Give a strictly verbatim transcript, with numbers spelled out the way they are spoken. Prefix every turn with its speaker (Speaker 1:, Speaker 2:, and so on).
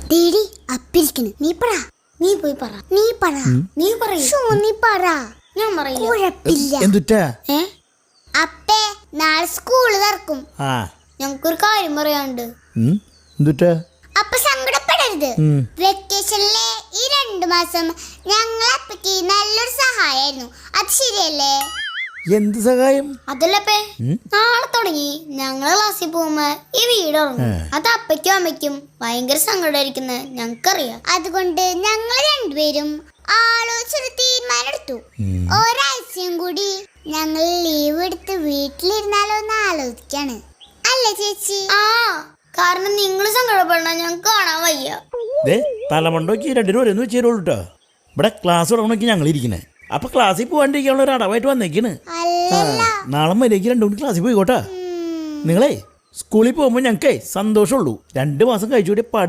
Speaker 1: ദേടി അപ്പിരിക്കണ്. നീ പറ.
Speaker 2: നീ പോയി പറ.
Speaker 1: നീ പറ.
Speaker 2: നീ പറയൂ.
Speaker 1: നീ പറ.
Speaker 2: ഞാൻ പറയില്ല.
Speaker 1: കുഴപ്പില്ല.
Speaker 3: എന്തുട്ടാ?
Speaker 2: ഏ
Speaker 1: അപ്പേ നാളെ സ്കൂള് തുറക്കും.
Speaker 3: ആ
Speaker 2: ഞങ്ങൾക്കൊരു കാര്യം പറയാനുണ്ട്.
Speaker 3: ഉം, എന്തുട്ടാ?
Speaker 1: അപ്പൊ സങ്കടപ്പെടരുത്.
Speaker 3: ഉം.
Speaker 1: വെക്കേഷനിലെ ഈ രണ്ടു മാസം ഞങ്ങൾ അപ്പയ്ക്ക് നല്ലൊരു സഹായമായിരുന്നു. അത് ശരിയല്ലേ?
Speaker 3: എന്ത് സഹായം?
Speaker 2: അതല്ലപ്പേ, നാളെ തുടങ്ങി ഞങ്ങള് ക്ലാസ്സിൽ പോകുമ്പോ ഈ വീട് ഉറങ്ങും. അത് അപ്പയ്ക്കും അമ്മയ്ക്കും ഭയങ്കര സങ്കടമായിരിക്കുന്നത് ഞങ്ങൾക്കറിയാം.
Speaker 1: അതുകൊണ്ട് ഞങ്ങൾ രണ്ടുപേരും ആലോചിച്ചൊരു തീരുമാനം എടുത്തു. ഒരാഴ്ചയും കൂടി ഞങ്ങൾ ലീവ് എടുത്ത് വീട്ടിലിരുന്നാലോ എന്ന് ആലോചിക്കാണ്. അല്ലേ ചേച്ചി?
Speaker 2: ആ, കാരണം നിങ്ങൾ സങ്കടപ്പെടണ ഞങ്ങൾക്ക് കാണാൻ വയ്യ.
Speaker 3: ദേ തലമണ്ടോക്ക് രണ്ടിനും ഒരെന്ന് വെച്ചേരുള്ളൂ കേട്ടോ. ഇവിടെ ക്ലാസ് തുടങ്ങണോക്കി ഞങ്ങൾ ഇരിക്കണേ. അപ്പൊ ക്ലാസ്സിൽ പോകാണ്ടിരിക്കാനുള്ള ഒരു അടവായിട്ട് വന്നേക്കാണ്.
Speaker 1: അല്ലല്ല.
Speaker 3: നാളെ മര്യാദയ്ക്ക് രണ്ടു മണി ക്ലാസ്സിൽ പോയിക്കോട്ടെ. നിങ്ങളെ സ്കൂളിൽ പോകുമ്പോൾ ഞങ്ങൾക്കേ സന്തോഷമുള്ളൂ. രണ്ട് മാസം കഴിച്ചുകൂടി